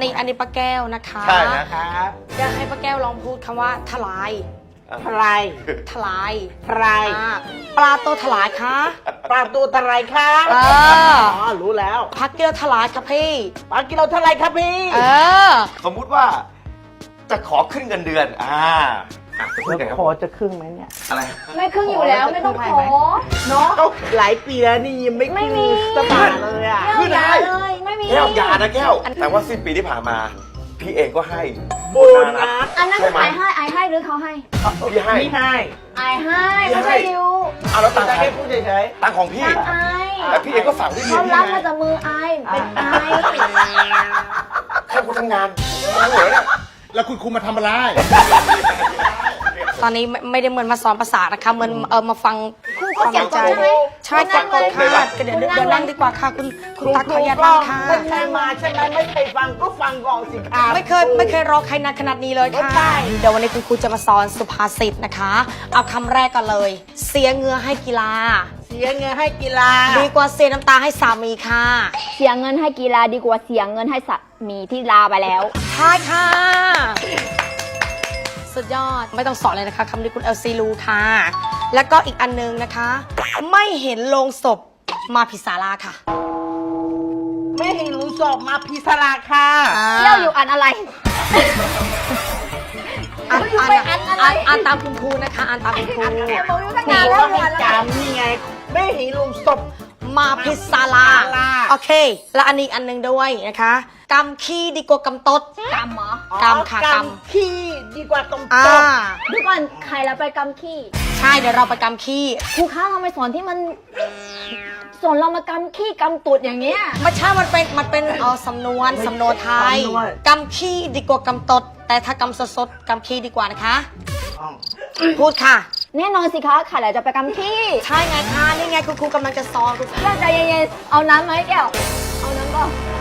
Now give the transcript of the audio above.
นี่อันนี้ป้าแก้วนะคะใช่นะครับอยากให้ป้าแก้วลองพูดคำว่าทลายทลายทลายทลายปลาตัวถลายคะปลาตัวทลายค่ะเออรู้แล้วพักเกลือถลายค่ะพี่ปลากิโลทลายครับพี่เออสมมุติว่าจะขอขึ้นเงินเดือนจะพูดไงครับพอจะครึ่งไหมเนี่ยอะไรไม่ครึ่งอยู่แล้วไม่ต้องขอเนาะหลายปีแล้วนี่ยังไม่ไม่ขึ้นมีสักบาทเลยอ่ะขึ้นได้เลยไม่มีแก้วอยานะแก้ว แต่ว่าสิ้นปีที่ผ่านมา พี่เองก็ให้โบนัสอันนั้นใช่ไหมไอให้หรือเขาให้พี่ให้ไม่ให้ไอให้ไม่ใช่ดิวแล้วตังค์แต่ใครแค่พูดเฉยตังค์ของพี่ตังไอแต่พี่เองก็ฝากที่พี่เขารับมาจากมือไอเป็นไอแค่กูทำงานเหนือเนี่ยแล้วคุณครูมาทำอะไรตอนนี้ไม่ได้เหมือนมาสอนภาษานะคะเหมือนมาฟังครูก็เก็บก่อนใช่ไหมใช่เก็บก่อนค่ะเดี๋ยวนั่งดีกว่าค่ะคุณตั๊กขออนุญาตก็นั่งค่ะไม่เคยมาใช่ไหมไม่เคยฟังก็ฟังก่อนสิครับไม่เคยรอใครนานขนาดนี้เลยค่ะใช่เดี๋ยววันนี้คุณครูจะมาสอนสุภาษิตนะคะ เอาคำแรกก่อนเลย เสียเหงื่อให้กีฬาเสียเงินให้กีฬาดีกว่าเสียน้ำตาให้สามีค่ะเสียเงินให้กีฬาดีกว่าเสียเงินให้สามีที่ลาไปแล้วใช่ค่ะ สุดยอดไม่ต้องสอนเลยนะคะคำนี้คุณเอลซีรู้ค่ะ แล้วก็อีกอันนึงนะคะ ไม่เห็นโลงศพมาผิดศาลาค่ะไม่ให้รู้สอบมาพิศราค่ะเที่ยวอยู่อันอะไรอ่านตามคุณครูนะคะอ่านตามคุณครูบอกอยู่ตั้งนี่นานแล้ก็วให้จำนี่ไง ไม่ให้รู้สอบมาพิศาลาศาลาโอเค แล้วอันนี้อีกอันหนึงด้วยนะคะกำขี้ดีกว่ากำตดกำเหรอกำค่ะกำขี้ดีกว่ากำอ่าตกดูก่อนใครเราไปกำขี้ใช่เดี๋ยวเราไปกำขี้ครูคะเราไม่สอนที่มันสอนเรามากำขี้กำตูดอย่างเงี้ยไม่ใช่มันเป็นสำนวนไทยกำขี้ดีกว่ากำตด แต่ถ้ากำสดๆกำขี้ดีกว่านะคะอ๋อพูดค่ะแน่นอนสิคะใครเราจะไปกำขี้ใช่ไงคะนี่ไงคุณครูกำลังจะสอนคุณแก้วใจเย็นๆเอาน้ำไหมแก้วเอาน้ำก็